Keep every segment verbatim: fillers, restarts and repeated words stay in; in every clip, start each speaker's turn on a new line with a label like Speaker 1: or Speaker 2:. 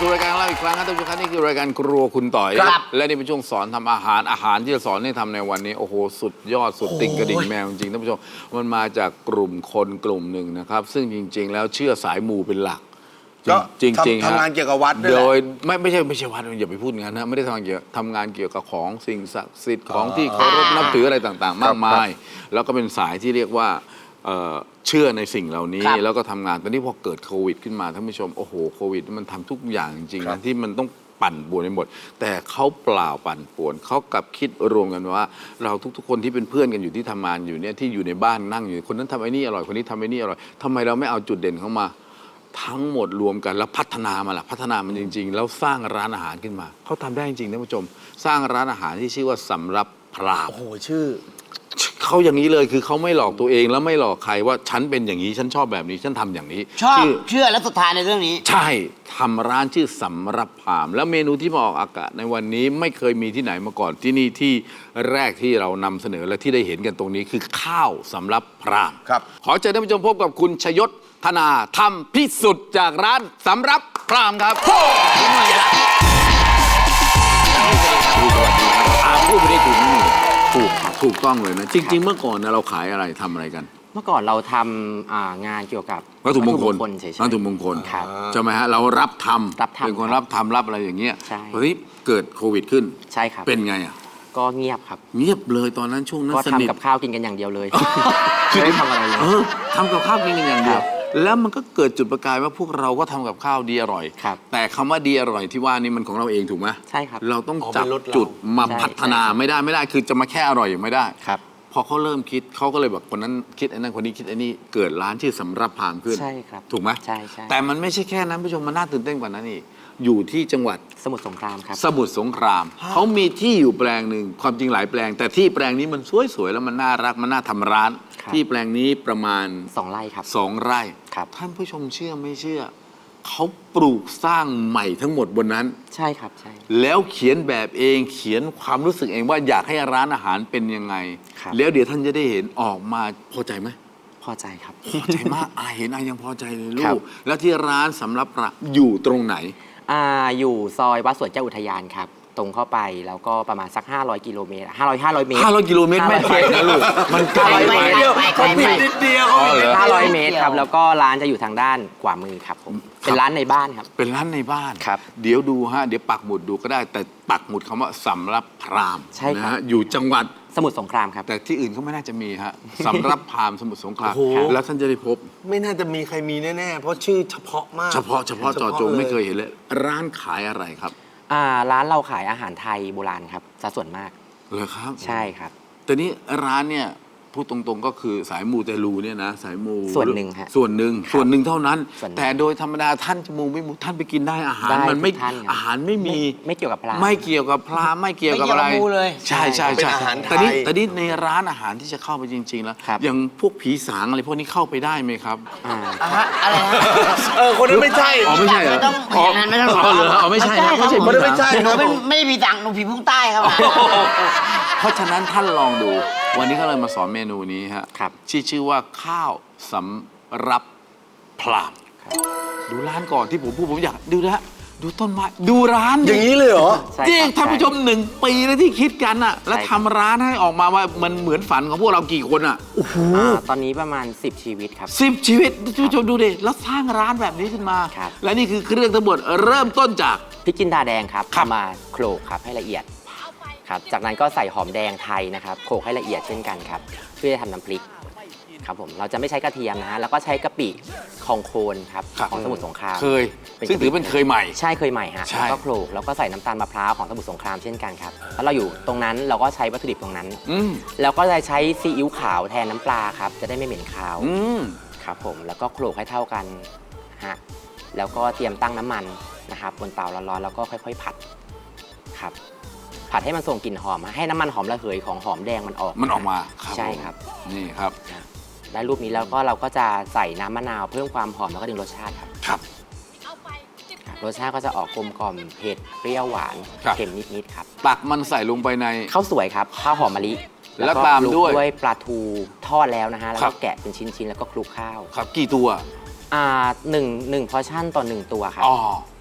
Speaker 1: สู่รายการเราอีกครั้งครับท่านผู้ชมครับนี่คือรายการครัวคุณต่อยและนี่เป็นช่วงสอนทำอาหารอาหารที่จะสอนให้ทำในวันนี้โอ้โหสุดยอดสุดติ่งกระดิ่งแมวจริงๆท่านผู้ชมมันมาจากกลุ่มคนกลุ่มหนึ่งนะครับซึ่งจริง ๆ แล้วเชื่อสายมูเป็นหลักจริงๆ
Speaker 2: ทำงานเกี่ยวกับวัดด้วย
Speaker 1: โดยไม่ไม่ใช่ไม่ใช่วัดอย่าไปพูดงั้นนะไม่ได้ทำงานเกี่ยวทำงานเกี่ยวกับของสิ่งศักดิ์สิทธิ์ของที่เคารพนับถืออะไรต่างๆ มากมายแล้วก็เป็นสายที่เรียกว่าเชื่อในสิ่งเหล่านี้แล้วก็ทำงานตอนนี้พอเกิดโควิดขึ้นมาท่านผู้ชมโอ้โหโควิดมันทำทุกอย่างจริงๆนะที่มันต้องปั่นป่วนไปหมดแต่เขาเปล่าปั่นป่วนเขากลับคิดรวมกันว่าเราทุกๆคนที่เป็นเพื่อนกันอยู่ที่ทำงานอยู่เนี่ยที่อยู่ในบ้านนั่งอยู่คนนั้นทำไอ้นี่อร่อยคนนี้ทำไอ้นี่อร่อยทำไมเราไม่เอาจุดเด่นเข้ามาทั้งหมดรวมกันแล้วพัฒนามาล่ะพัฒนามันจริงๆแล้วสร้างร้านอาหารขึ้นมาเขาทำได้จริงๆท่านผู้ชมสร้างร้านอาหารที่ชื่อว่าสำรับพราหมณ์
Speaker 2: โอ้โหชื่อ
Speaker 1: เขาอย่างนี้เลยคือเขาไม่หลอกตัวเองแล้วไม่หลอกใครว่าฉันเป็นอย่างนี้ฉันชอบแบบนี้ฉันทำอย่างนี้
Speaker 3: ชอบเชื่อและศรัทธาในเรื่องนี้
Speaker 1: ใช่ทำร้านชื่อสำรับพราหมณ์แล้วเมนูที่มาออกอากาศในวันนี้ไม่เคยมีที่ไหนมาก่อนที่นี่ที่แรกที่เรานำเสนอและที่ได้เห็นกันตรงนี้คือข้าวสำรับพราหมณ์
Speaker 2: ครับ
Speaker 1: ขอเชิญท่านผู้ชมพบกับคุณชยศธนาธรรมพิสุทธิ์จากร้านสำรับพราหมณ์ครับพูดไปได้ถูกถูกถูกต้องเลยนะจริงๆเมื่อก่อนนะเราขายอะไรทำอะไรกัน
Speaker 3: เมื่อก่อนเราทำงานเกี่ยวกับ
Speaker 1: วัตถุมงคล
Speaker 3: เฉยๆ
Speaker 1: วัตถุมงคลใช่ไหมฮะเรารับทำเป็นคนรับทำรับอะไรอย่างเงี้ยพอที่เกิดโควิดขึ้น
Speaker 3: ใช่ครับ
Speaker 1: เป็นไงอ่ะ
Speaker 3: ก็เงียบครับ
Speaker 1: เงียบเลยตอนนั้นช่วงนั้น
Speaker 3: ก็ทำกับข้าวกินกันอย่างเดียวเลยไม่ได้ทำอะไรเลย
Speaker 1: ทำกับข้าวกินกันอย่างเดียวแล้วมันก็เกิดจุดประกายว่าพวกเราก็ทำกับข้าวดีอร่อยแต่คำว่าดีอร่อยที่ว่านี่มันของเราเองถูกไหม
Speaker 3: ใช่ครับ
Speaker 1: เราต้องจับจุดมาพัฒนาไม่ได้ไม่ได้คือจะมาแค่อร่อยอย่างไม่ได้
Speaker 3: ครับ
Speaker 1: พอเขาเริ่มคิดเขาก็เลยแบบคนนั้นคิดไอ้นั่นคนนี้คิดไอ้นี่เกิดร้านชื่อสำรับพราหมณ์ขึ้น
Speaker 3: ใช่ครับ
Speaker 1: ถูกไหม
Speaker 3: ใช่ใช่
Speaker 1: แต่มันไม่ใช่แค่นั้นผู้ชมมันน่าตื่นเต้นกว่านั้นอีกอยู่ที่จังหวัด
Speaker 3: สมุทรสงครามครับ
Speaker 1: สมุทรสงครามเขามีที่อยู่แปลงหนึ่งความจริงหลายแปลงแต่ที่แปลงนี้มันสวยๆแล้วมันน่ารักมันน่าทำร้านที่แปลงนี้ประมาณ
Speaker 3: สองไร่ครับ
Speaker 1: สองไร่
Speaker 3: ครับ
Speaker 1: ท่านผู้ชมเชื่อไม่เชื่อเขาปลูกสร้างใหม่ทั้งหมดบนนั้น
Speaker 3: ใช่ครับใช่
Speaker 1: แล้วเขียนแบบเองเขียนความรู้สึกเองว่าอยากให้ร้านอาหารเป็นยังไงแล้วเดี๋ยวท่านจะได้เห็นออกมาพอใจไหม
Speaker 3: พอใจครับ
Speaker 1: พอใจมากอาเห็นอายังพอใจเลยลูกแล้วที่ร้านสำรับระอยู่ตรงไหน
Speaker 3: อ่าอยู่ซอยวัดสวนเจ้าอุทยานครับตรงเข้าไปแล้วก็ประมาณสักห้าร้อยกิโลเมตรห้าร้อย ห้าร้อยเมตร
Speaker 1: ห้าร้อยกิโลเมตรไม่ไกลนะลูกมันไกลไป
Speaker 3: นิดเดียว
Speaker 1: นิดเดียว
Speaker 3: ห้าร้อยเมตรครับแล้วก็ร้านจะอยู่ทางด้านขวามือครับผมเป็นร้านในบ้านครับ
Speaker 1: เป็นร้านในบ้าน
Speaker 3: ครับ
Speaker 1: เดี๋ยวดูฮะเดี๋ยวปักหมุดดูก็ได้แต่ปักหมุดคำว่าสำรับพราหมณ์นะฮะอยู่จังหวัด
Speaker 3: สมุทรสงครามครับ
Speaker 1: แต่ที่อื่นก็ไม่น่าจะมีฮะสำรับพราหมณ์สมุทรสงครามแล้วท่านจะได้พบ
Speaker 2: ไม่น่าจะมีใครมีแน่ๆเพราะชื่อเฉพาะมาก
Speaker 1: เฉพาะเฉพาะจอจงไม่เคยเห็นเลยร้านขายอะไรครับ
Speaker 3: อ่าร้านเราขายอาหารไทยโบราณครับซะส่วนมาก
Speaker 1: เหรอครับ
Speaker 3: ใช่ครับ
Speaker 1: แต่นี้ร้านเนี่ยพูดตรงๆก็คือสายมูเตลูเนี่ยนะสายมู
Speaker 3: ส่วนหนึ่งฮะ
Speaker 1: ส่วนหนึ่งส่วนหนึ่งเท่านั้นแต่โดยธรรมดาท่านจะมูไม่มูท่านไปกินได้อาหารมันไม่อาหารไม่มี
Speaker 3: ไม่เกี่ยวกับพรา
Speaker 1: ไม่เกี่ยวกับพราไม่เกี่ยวกับอะไร
Speaker 3: เลย
Speaker 1: ใช่ใช่ใช่แต่นี้แต่นี้ในร้านอาหารที่จะเข้าไปจริงๆแล้วอย่างพวกผีสางอะไรพวกนี้เข้าไปได้ไหมครับ
Speaker 3: อะไร
Speaker 2: เออคนนั้นไม่ใช่
Speaker 1: อ๋อไม่ใช่เหรอ
Speaker 3: ต้องอย่างนั้นไม่ต้อง
Speaker 1: อ๋อเหรออ๋อไม่ใช่
Speaker 2: ไม่ใช่คนนั้นไม่ใช่
Speaker 3: หนูไม่ได้ผีสางหนูผีพุ่งใต้ครับ
Speaker 1: เพราะฉะนั้นท่านลองดูวันนี้ก็เลยมาสอนเมนูนี้ฮะที่ชื่อว่าข้าวสำรับพราหมณ์ดูร้านก่อนที่ผมพูดผมอยากดูนะดูต้นไม้ดูร้าน
Speaker 2: อย่างนี้เลยเหรอ
Speaker 1: จริงท่านผู้ชมหนึ่งปีแล้วที่คิดกันอ่ะแล้วทำร้านให้ออกมาว่ามันเหมือนฝันของพวกเรากี่คนอ่ะ
Speaker 3: โอ้โหตอนนี้ประมาณสิบชีวิตครับ
Speaker 1: สิบชีวิตท่านผู้ชมดูดิแล้วสร้างร้านแบบนี้ขึ้นมาและนี่คือเครื่องทั้งหมดเริ่มต้นจาก
Speaker 3: พริกจินดาแดงครับมาโขลกครับให้ละเอียดครับจากนั้นก็ใส่หอมแดงไทยนะครับโขลกให้ละเอียดเช่นกันครับเพื่อจะทำน้ำพริกครับผมเราจะไม่ใช้กระเทียมนะฮะแล้วก็ใช้กะปิของโคนครับของสมุทรสงคราม
Speaker 1: เคยซึ่งถือเป็นเคยใหม่
Speaker 3: ใช่เคยใหม่ฮะแล้วก็โขลกแล้วก็ใส่น้ำตาลมะพร้าวของสมุทรสงครามเช่นกันครับแล้วเราอยู่ตรงนั้นเราก็ใช้วัตถุดิบตรงนั้นแล้วก็จะใช้ซีอิ๊วขาวแทนน้ำปลาครับจะได้ไม่เหม็นคาวครับผมแล้วก็โขลกให้เท่ากันฮะแล้วก็เตรียมตั้งน้ำมันนะครับบนเตาร้อนๆแล้วก็ค่อยๆผัดครับผัดให้มันส่งกลิ่นหอมให้น้ำมันหอมระเหยของหอมแดงมันออก
Speaker 1: มันออกมา
Speaker 3: ใช่ครับ
Speaker 1: นี่ครับ
Speaker 3: ได้รูปนี้แล้วก็เราก็จะใส่น้ำมะนาวเพิ่มความหอมแล้วก็ดึงรสชาติครับ
Speaker 1: ครับ
Speaker 3: รสชาติก็จะออกกลมกล่อมเผ็ดเปรี้ยวหวานเค็มนิดๆครับ
Speaker 1: ตักมันใส่ลงไปใน
Speaker 3: ข้าวสวยครับข้าวหอมมะลิ
Speaker 1: แล้วตามด้วย
Speaker 3: ด้วยปลาทูทอดแล้วนะฮะแล้วก็แกะเป็นชิ้นๆแล้วก็คลุกข้าว
Speaker 1: ครับกี่ตัว
Speaker 3: อ่าหนึ่งหนึ่งพอชั่นต่อหนึ่งตัวครับ
Speaker 1: อ๋อ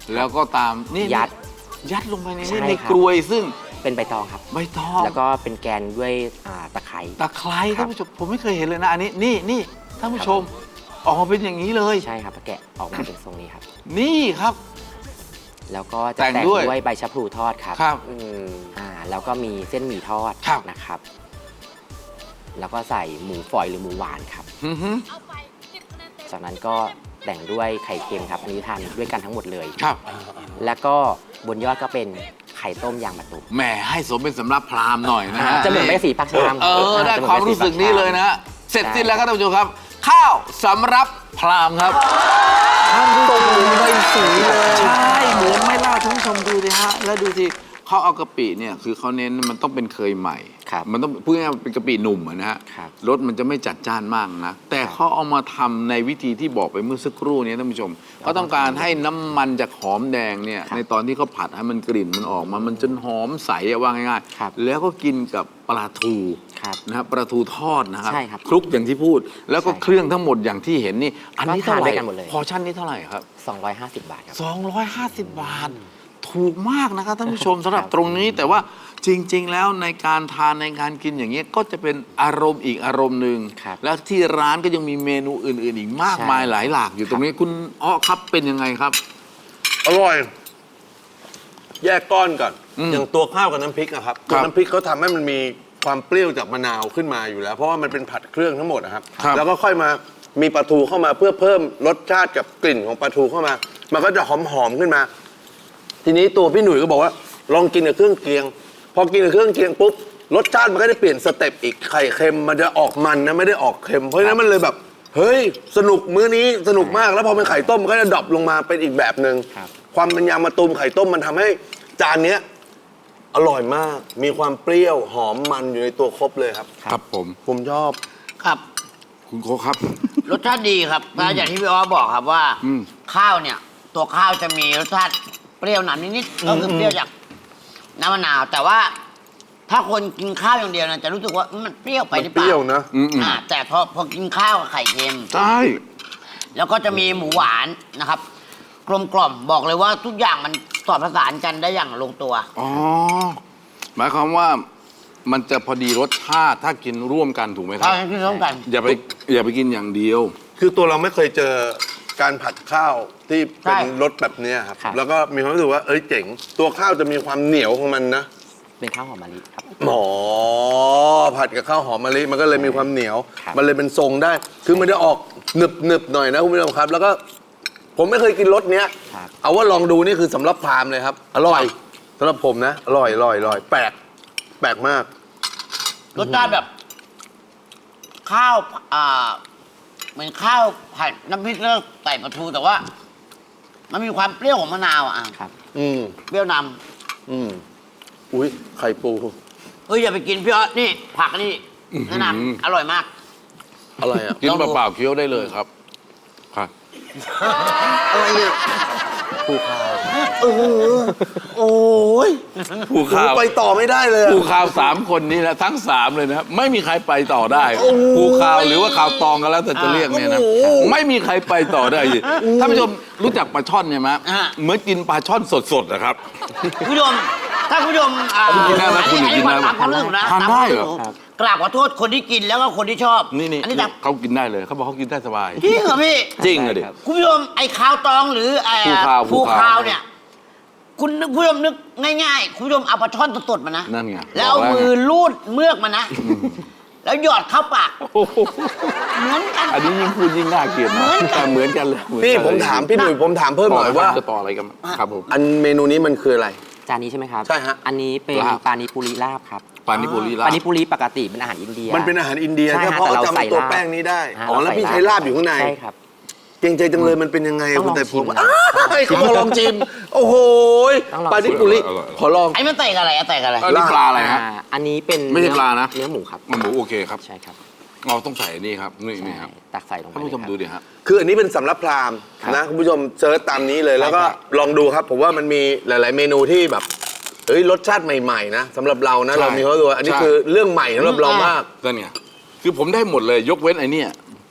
Speaker 1: แล้วก็ตามนี่
Speaker 3: ยัด
Speaker 1: ยัดลงไปใน
Speaker 3: ใช่
Speaker 1: นี่ใน
Speaker 3: ครับ
Speaker 1: กลวยซึ่ง
Speaker 3: เป็นใบตองครับ
Speaker 1: ใบตอง
Speaker 3: แล้วก็เป็นแกนด้วยอ่าตะไคร้
Speaker 1: ตะไคร้
Speaker 3: ครั
Speaker 1: ท่า
Speaker 3: บ
Speaker 1: นผู้ชมผมไม่เคยเห็นเลยนะอันนี้นี่นี่ท่านผู้ชมออกมาเป็นอย่างนี้เลย
Speaker 3: ใช่ครับแกะออกมาเป็นทรงนี้ครับ
Speaker 1: นี่ครับ
Speaker 3: แล้วก็จะ
Speaker 1: แต่ง
Speaker 3: แต่ง
Speaker 1: ด้วย
Speaker 3: ด้วยใบชะพลูทอดครับ
Speaker 1: ครับ
Speaker 3: อืมอ่าแล้วก็มีเส้นหมี่ทอด
Speaker 1: ครับ
Speaker 3: นะครับ แล้วก็ใส่หมูฝอยหรือหมูหวานครับ
Speaker 1: อือฮึ
Speaker 3: จากนั้นก็แต่งด้วยไข่เค็มครับอันนี้ทานด้วยกันทั้งหมดเลย
Speaker 1: ครับ
Speaker 3: แล้วก็บนยอดก็เป็นไข่ต้มยางมะตูม
Speaker 1: แหมให้สมเป็นสำรับพราหมณ์หน่อยนะฮะ
Speaker 3: จะเหมือนใบสีปักชาม
Speaker 1: เออได้
Speaker 3: จะเห
Speaker 1: ความ
Speaker 3: ใบ
Speaker 1: รู้สึกนี้เลยนะฮะเสร็จ
Speaker 3: ใช่
Speaker 1: สิ้นแล้วครับท่านผู้ชมครับ ข้าวสำรับพราหมณ์ครับท่านผู้ชมใบสีเลยใช่เหมือนไหม่ล่าท่านผู้ชมดูสิฮะแล้วดูสิเขาเอากะปิเนี่ยคือเขาเน้นมันต้องเป็นเคยใหม่
Speaker 3: ครับ
Speaker 1: มันต้องพูดง่ายๆเป็นกะปิหนุ่มอะนะฮะ
Speaker 3: ครับ
Speaker 1: รสมันจะไม่จัดจ้านมากนะแต่เขาเอามาทำในวิธีที่บอกไปเมื่อสักครู่นี้ท่านผู้ชมเขาต้องการให้น้ำมันจากหอมแดงเนี่ย
Speaker 3: ครับ
Speaker 1: ในตอนที่เขาผัดให้มันกลิ่นมันออกมามันจนหอมใสอะว่าง่าย
Speaker 3: ครับ
Speaker 1: ๆแล้วก็กินกับปลาทู
Speaker 3: ครับ
Speaker 1: นะครับปลาทูทอดนะครับ
Speaker 3: ใช่ครับ
Speaker 1: คลุกอย่างที่พูด แล้วก็
Speaker 3: ใช่ครับ
Speaker 1: เครื่องทั้งหมดอย่างที่เห็นนี่อันนี้
Speaker 3: ก็ทาน
Speaker 1: เท่าไห
Speaker 3: ด้
Speaker 1: ร่
Speaker 3: วยกันหมดเลย
Speaker 1: พอชั่นนี้เท่าไหร่ครับ
Speaker 3: สองร้อยห้าสิบบาทครับ
Speaker 1: สองร้อยห้าสิบบาท ถูกมากนะครับท่านผู้ชมสำหรับตรงนี้แต่ว่าจริง ๆ แล้วในการทานในการกินอย่างนี้ยก็จะเป็นอารมณ์อีกอารมณ์หนึ่ง
Speaker 3: ครับ
Speaker 1: แล้วที่ร้านก็ยังมีเมนูอื่น ๆ อีกมาก
Speaker 3: ใช่
Speaker 1: มายหลายหลากอยู่ตรงนี้คุณอ้อครับเป็นยังไงครับ
Speaker 2: อร่อย แยกก้อนก่อน
Speaker 1: อืม
Speaker 2: อย่างตัวข้าวกับน้ำพริกอะครับ
Speaker 1: ค
Speaker 2: ตั
Speaker 1: รั
Speaker 2: ว
Speaker 1: บ
Speaker 2: น้ำพริกเขาทำให้มันมีความเปรี้ยวจากมะนาวขึ้นมาอยู่แล้ว เพราะว่ามันเป็นผัดเครื่องทั้งหมดนะครับ
Speaker 1: ครับ
Speaker 2: แล้วก็ค่อยมามีปลาทูเข้ามาเพื่อเพิ่มรสชาติกับกลิ่นของปลาทูเข้ามา มันก็จะหอมๆขึ้นมา ทีนี้ตัวพี่หนุ่ยก็บอกว่าลองกินกับเครื่องเคียง พอกินกับเครื่องเคียงปุ๊บรสชาติมันก็ได้เปลี่ยนสเต็ปอีกไข่เค็มมันจะออกมันนะไม่ได้ออกเค็มเพราะฉะนั้นมันเลยแบบ เฮ้ยสนุกมื้อนี้สนุกมากแล้วพอเป็นไข่ต้มมันก็จะดรอปลงมาเป็นอีกแบบหนึ่ง
Speaker 3: ครับ
Speaker 2: ความเป็นยางมะตูมไข่ต้มมันทำให้จานเนี้ยอร่อยมาก มีความเปรี้ยวหอมมันอยู่ในตัวครบเลยครับ
Speaker 1: ครับผม
Speaker 2: ผมชอบ
Speaker 4: ครับ
Speaker 1: คุณโคกครับ
Speaker 4: รสชาติดีครับนะอย่างที่พี่อ้อบอกครับว่า
Speaker 1: อืม
Speaker 4: ข้าวเนี่ย ตัวข้าวจะมีรสชาติเปรี้ยวนำนิดๆก็คือเปรี้ยวจากน้ำมะนาว แต่ว่าถ้าคนกินข้าวอย่างเดียวนะจะรู้สึกว่ามันเปรี้ยวไปหรือเป
Speaker 2: มันเปรี้
Speaker 4: ล่า
Speaker 2: ยวนะ
Speaker 1: อืม
Speaker 4: อ่าแต่พอพอกินข้าวกับไข่เค็ม
Speaker 1: ใช่
Speaker 4: แล้วก็จะมีหมูหวานนะครับ กลมกล่อมบอกเลยว่าทุกอย่างมันสอดประสานกันได้อย่างลงตัว
Speaker 1: อ๋อหมายความว่ามันจะพอดีรสชาติถ้ากินร่วมกันถูกไหมค
Speaker 4: ข้า
Speaker 1: รั
Speaker 4: ว
Speaker 1: บ
Speaker 4: ที่ร่วมกัน
Speaker 1: อย่าไปอย่าไปกินอย่างเดียว
Speaker 2: คือตัวเราไม่เคยเจอการผัดข้าวที่เป็น
Speaker 4: ใช่
Speaker 2: รสแบบเนี้ยครับ
Speaker 3: ครับ
Speaker 2: แล้วก็มีความรู้สึกว่าเอ้ยเจ๋ง ตัวข้าวจะมีความเหนียวของมันนะ
Speaker 3: เป็นข้าวหอมมะลิครับ
Speaker 2: หมอผัดกับข้าวหอมมะลิมันก็เลยมีความเหนียว
Speaker 3: ครับ
Speaker 2: มันเลยเป็นทรงได้ คือมันจะออกหนึบหนึบๆหน่อยนะคุณผู้ชมครับ แล้วก็ผมไม่เคยกินรสเนี้ย
Speaker 3: ครับ
Speaker 2: เอาว่าลองดูนี่คือสำรับพราหมณ์เลยครับ อร่อยสำหรับผมนะ อร่อยอร่อยอร่อยแปลกแปลกมาก
Speaker 4: รสชาติแบบ ข้าวอ่าเหมือนข้าวผัดน้ำพริกแล้วใส่ปลาทูแต่ว่า มันมีความเปรี้ยวของมะนาวอ่ะ
Speaker 3: ครับ
Speaker 2: อืม
Speaker 4: เปรี้ยวน
Speaker 2: อืมอุ้ยไข่ปู
Speaker 4: ำเฮ้ยอย่าไปกินพี่ออสนี่ ผักนี่แนะน
Speaker 1: อื้อหือ
Speaker 4: ำอร่อยมาก
Speaker 2: อะไรอ่ะ
Speaker 1: กิน
Speaker 4: ลองดู
Speaker 1: เปล่าๆเคี้ยวได้เลยครับครับ
Speaker 4: อะไรเนี่ย
Speaker 3: ผู้ข้าว
Speaker 2: เออโอ้ย
Speaker 1: ผู้ข่าว
Speaker 2: ไปต่อไม่ได้เลยอะ
Speaker 1: ผู้ข่าวสามคนนี้นะทั้งสามเลยนะครับไม่มีใครไปต่อได้ผู้ข่าวหรือว่าข่าวตองกันแล้วแต่จะเรียกเนี่ยนะไม่มีใครไปต่อได้ท่านผู้ชมรู้จักปลาช่อนใช่ไหมเหมือนกินปลาช่อนสดๆนะครับ
Speaker 4: คุณผู้ชมถ้าคุณผู้ชมอ่า
Speaker 1: คุณกินได้ไหมคุณ
Speaker 4: อันนี้
Speaker 1: กินได้ไหม
Speaker 4: ตามความรู้สึกนะ
Speaker 1: ทาน
Speaker 4: ตาม
Speaker 1: ได้
Speaker 4: ความ
Speaker 1: เหรอ
Speaker 4: รู้สึกกราบขอโทษคนที่กินแล้วก็คนที่ชอบ
Speaker 1: นี่นี่
Speaker 4: อันนี้ตาม
Speaker 1: เขากินได้เลยเขาบอกเขากินได้สบาย
Speaker 4: จริงเหรอพี่
Speaker 1: จริงเลยดิ
Speaker 3: ครับ
Speaker 4: คุณผู้ชมไอ้ข้าวตองหรือไอ้
Speaker 1: ภูคาวภู
Speaker 4: ภู
Speaker 1: คาว
Speaker 4: คาวเนี่ย คุณนึกคุณผู้ชมนึกง่ายๆ คุณผู้ชมเอาปลาช่อนสดๆมานะ
Speaker 1: นั่นไง
Speaker 4: แล้วเอา
Speaker 1: บอกแล้ว
Speaker 4: มือลูดเมือกมานะ แล้วหยอดเข้าปาก
Speaker 1: โอ้โห
Speaker 4: เหมือนกัน
Speaker 1: อันนี้ยิ่งพูดยิ่งน่าเกลียดนะแต่เหมือนกันเลยเหอน
Speaker 2: พี่
Speaker 1: กัน
Speaker 2: ผม
Speaker 1: เลย
Speaker 2: ถามพี่หนุ่ยผมถามเพิ่มหน่อยว่า
Speaker 1: จะต่ออะไรกันครับผม
Speaker 2: อันเมนูนี้มันคืออะไร
Speaker 3: จานนี้ใช่ไหมครับ
Speaker 2: ใช่ฮะ
Speaker 3: อันนี้เป็น
Speaker 1: ลาบ
Speaker 3: ปานิปุริลาบครับ
Speaker 1: ปานิปุรีลา
Speaker 3: ปา
Speaker 1: บ
Speaker 3: นิปุริปกติเป็นอาหารอินเดีย
Speaker 2: มันเป็นอาหารอินเดีย
Speaker 3: ใช่
Speaker 2: แค่
Speaker 3: ฮะ
Speaker 2: เพราะ
Speaker 3: แต่เรา
Speaker 2: จำ
Speaker 3: ใส่
Speaker 2: ตัว
Speaker 3: ลาบ
Speaker 2: แป้งนี้ได้
Speaker 3: ฮะ
Speaker 2: อ๋อ แล้ว
Speaker 3: เร
Speaker 2: พี่
Speaker 3: ส่
Speaker 2: ใช้ลาบอยู่ข้างใน
Speaker 3: ใช่ครับ
Speaker 2: เกรงใจจังเลยมันเป็นยังไง
Speaker 3: ต้องลอง
Speaker 2: แต่ผม
Speaker 3: ชิมนะ
Speaker 2: อ้ายขอลองชิม โอ้โหย
Speaker 3: ต้องลอง
Speaker 2: ปลาดิปุริ
Speaker 1: อร่อยอร่อย
Speaker 2: ขอลอง
Speaker 4: ไอ้มันเตะกับอะไรอะเตะกับอะไร
Speaker 1: อันนี้ปลาอะไรฮะ
Speaker 3: อ่าอันนี้เป็น
Speaker 1: ไม่ใช่ปลานะ
Speaker 3: เนื้อหมูครับ
Speaker 1: มันหมูโอเคครับ
Speaker 3: ใช่ครับ
Speaker 1: เราต้องใส่นี่ครับนี่นี่ครับ
Speaker 3: ใช่ตักใส่ลงไป
Speaker 1: ท่านผู้ชม
Speaker 3: เลยครับ
Speaker 1: ดูดิฮะ
Speaker 2: คืออันนี้เป็นสำรับพราหมณ์
Speaker 3: ครับ
Speaker 2: นะคุณผู้ชมเซิร์ชตามนี้เลย แล้วก็
Speaker 3: ใช่ครับ
Speaker 2: ลองดูครับ ผมว่ามันมีหลาย ๆ เมนูที่แบบเอ้ยรสชาติใหม่ ๆ นะสำหรับเรานะ
Speaker 1: ใช่
Speaker 2: เรามีเขาตัวาอันนี้
Speaker 1: ใช่
Speaker 2: คือเรื่องใหม่สำหรับเรามาก
Speaker 1: นั่นไงคือผมได้หมดเลยยกเว้นไอ้เนี่ย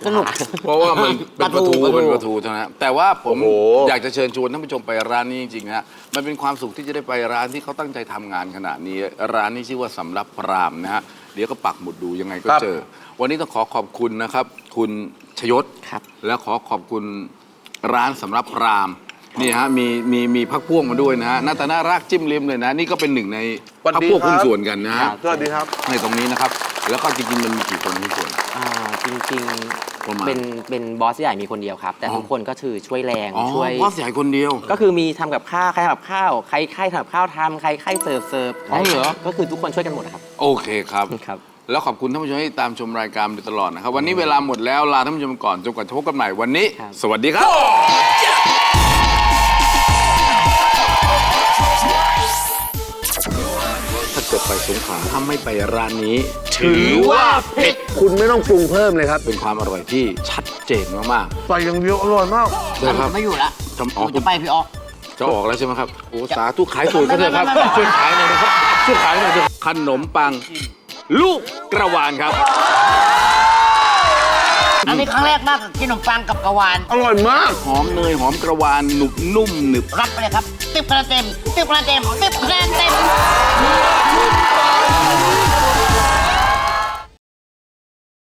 Speaker 4: สนุก
Speaker 1: เพราะว่ามันเป็นปลาทู
Speaker 4: ปลาทู
Speaker 1: เป็นปลาทูเท่านั้นแต่ว่าผม
Speaker 2: โอ้โห
Speaker 1: อยากจะเชิญชวนท่านผู้ชมไปร้านนี้จริงๆนะฮะมันเป็นความสุขที่จะได้ไปร้านที่เขาตั้งใจทำงานขนาดนี้ ร้านนี้ชื่อว่าสำรับพรามนะฮะเดี๋ยวก็ปักหมุดดูยังไงก็เจอ วันนี้ต้องขอขอบคุณนะครับ คุณชยศ
Speaker 3: ครับ
Speaker 1: และขอขอบคุณร้านสำรับพรามนี่ฮะมีมีมีพักพ่วงมาด้วยนะฮะหน้าตาน่ารักจิ้มลิ้มเลยนะ นี่ก็เป็นหนึ่งใน
Speaker 2: สวัส
Speaker 1: พัก
Speaker 2: ดี
Speaker 1: พวก
Speaker 2: ครับ
Speaker 1: หุ้นส่วนกันนะฮะ
Speaker 2: สวัสดีครับ
Speaker 1: ในตรงนี้นะครับ แล้วก็จริงๆมันมีกี่คนหุ้นส่วน
Speaker 3: อ่าจริง
Speaker 1: ประมาณ
Speaker 3: ๆเป็นเป็นบอสใหญ่มีคนเดียวครับ แต่
Speaker 1: อ๋อ
Speaker 3: ทุกคนก็คือช่วยแรง
Speaker 1: อ๋อ
Speaker 3: ช่วย
Speaker 1: บอสใหญ่คนเดียว
Speaker 3: ก็คือมีทำกับข้าวใครทำกับข้าวใครใครทำกับข้าวทำใครใครเสิร์ฟเสิร์ฟ
Speaker 1: อ๋อเหรอ
Speaker 3: ก็คือทุกคนช่วยกันหมดนะครับ
Speaker 1: โอเคครับ
Speaker 3: ครับ
Speaker 1: แล้วขอบคุณท่านผู้ชมที่ตามชมรายการมาโดยตลอดนะครับ วันนี้เวลาหมดแล้วลาท่านผู้ชมก่อนจนกว่าจะพบกันใหม่วันนี้
Speaker 3: ครับ
Speaker 1: สวัสดีครับ ถ้าเกิดไปสงขลาถ้าไม่ไปร้านนี้ ถือว่าผิด
Speaker 2: คุณไม่ต้องปรุงเพิ่มเลยครับ
Speaker 1: เป็นความอร่อยที่ชัดเจนมาก
Speaker 2: ใส่อย่างเดียวอร่อยมาก
Speaker 1: ๆนะครับ
Speaker 4: ไม่อยู่ละ
Speaker 1: ทำอ๋อ
Speaker 4: ผมจะไปพี่ออก
Speaker 1: จะออกแล้วใช่ไหมครับโอ้สาธุขายสูตรก็เถอะครับ ช่วยขายหน่อยนะครับช่วยขายหน่อยเถอะขนมปัง ลูกกระวานครับ
Speaker 4: อันนี้ครั้งแรกมากกับกินขนมปังกับกะวาน
Speaker 2: อร่อยมาก
Speaker 1: หอมเนยหอมกระวานหนุบนุ่มหนึบ
Speaker 4: รับไปเลยครับติ๊บคะแนนเต็มติ๊บคะแนนเต็มติ๊บคะแนนเต็ม